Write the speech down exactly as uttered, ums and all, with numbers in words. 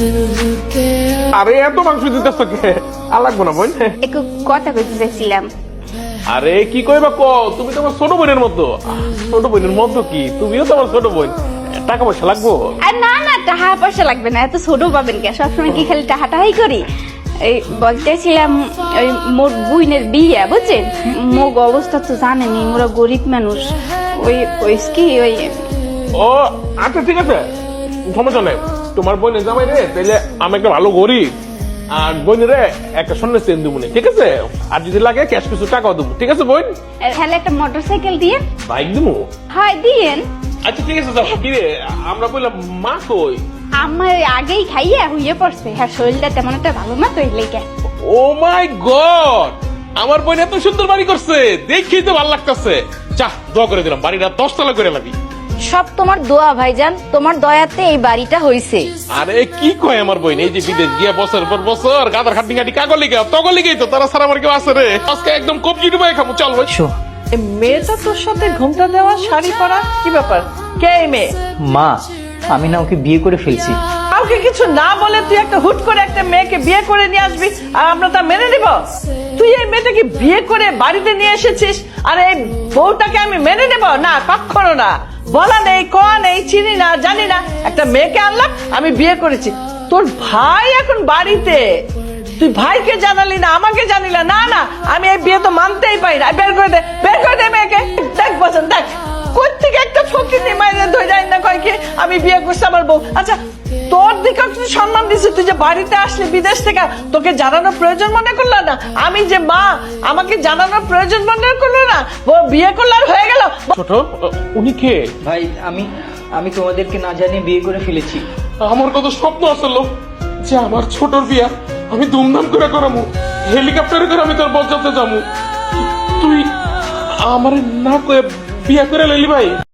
আরে এত মাংস দিতেছ কে? আর লাগবো না বোন। একটু কথা কইতে চাইছিলাম। আরে কি কইবা ক, তুমি তো আমার ছোট বোনের মতো। ছোট বোনের মতো কি, তুমিও তো আমার ছোট বোন। টাকা পয়সা লাগবো? আর না না, টাকা পয়সা লাগবে না, এত ছোট পাবেন কে? সবসময় কি খালি টাকা টাকাই করি? এই বলতেছিলাম, ওই মোর বুইনের বিয়ে বুঝছেন, মোগ অবস্থা তো জানেনি, মোরা গরিব মানুষ। ওই ওই কি ওই ও আচ্ছা ঠিক আছে, সমস্যা নেই। তোমার বোনের জামাই রে তাইলে আমি একটা ভালো গরিব, আর বোনের একটা স্বর্ণের চেন দেবো, ঠিক আছে? আর যদি লাগে ক্যাশ কিছু টাকাও দেবো, ঠিক আছে বোন? তাহলে একটা মোটর সাইকেল দিয়ে। বাইক দেবো? হয় দিয়েন। আচ্ছা ঠিক আছে, যাও। কি রে, আমরা বললাম মা কই? আমার আগেই খাইয়া হইয়ে পড়ছে, হ্যাঁ শরীরটা তেমন একটা ভালো না তো, এই লেগে। ও মাই গড, আমার বোন এত সুন্দর বাড়ি করছে, দেখেই তো ভালো লাগতেছে। চাহ দোয়া করে দিলাম, বাড়িটা দশতলা করে লাগি। সব তোমার দোয়া ভাইজান, তোমার দয়াতে এই বাড়িটা হইছে। আরে কি কয় আমার বোন, এই যে বিদেশ গিয়া বছর পর বছর গাদার খাটি খাটি কাগজ লিখে তগল লিখেই তো তারা সারা আমার কেউ আছে রে। আজকে একদম কবজি ডুবাই খাবো, চল ভাই। এ মেয়েটা তোর সাথে ঘুমটা দেওয়া, শাড়ি পরা, কি ব্যাপার? কে এই মেয়ে? মা, আমি না ওকে বিয়ে করে ফেলছি। কাউকে কিছু না বলে তুই একটা হুট করে একটা মেয়েকে বিয়ে করে নিয়ে আসবি, আর আমরা তা মেনে নিব? তুই এই মেয়েটাকে বিয়ে করে বাড়িতে নিয়ে এসেছিস, আর এই বউটাকে আমি মেনে নেব না? কখনো না। বলা নেই, কোয়া নেই, চিনি না, জানি না, একটা মেয়েকে আনলাম, আমি বিয়ে করেছি। তোর ভাই এখন বাড়িতে, তুই ভাইকে জানালি না, আমাকে জানিলা না? না, আমি এই বিয়ে তো মানতেই পারি না। বের করে দে, বের করে দে মেয়েকে। দেখ বসেন, দেখ কোথেকে একটা ফকির মাইনে ধরে যায় না, কয় কি আমি বিয়ে করছি আমার বউ। আচ্ছা তোর দিকে তুই সম্মান দিছিস, তুই যে বাড়িতে আসলি বিদেশ থেকে, তোকে জানানোর প্রয়োজন মনে করলো না? আমি যে মা, আমাকে জানানোর প্রয়োজন মনে করলো না? ও বিয়ে করলে আর হয়ে গেল? ছোট, উনি কে? ভাই, আমি আমি তোমাদেরকে না জানিয়ে বিয়ে করে ফেলেছি। আমার কত স্বপ্ন আসলো যে আমার ছোটর বিয়া আমি ধুমধাম করে করামু, হেলিকপ্টারে করে আমি তোর বরযাত্রা যাবো। তুই আমার না কয়ে বিয়া করে লইলি ভাই?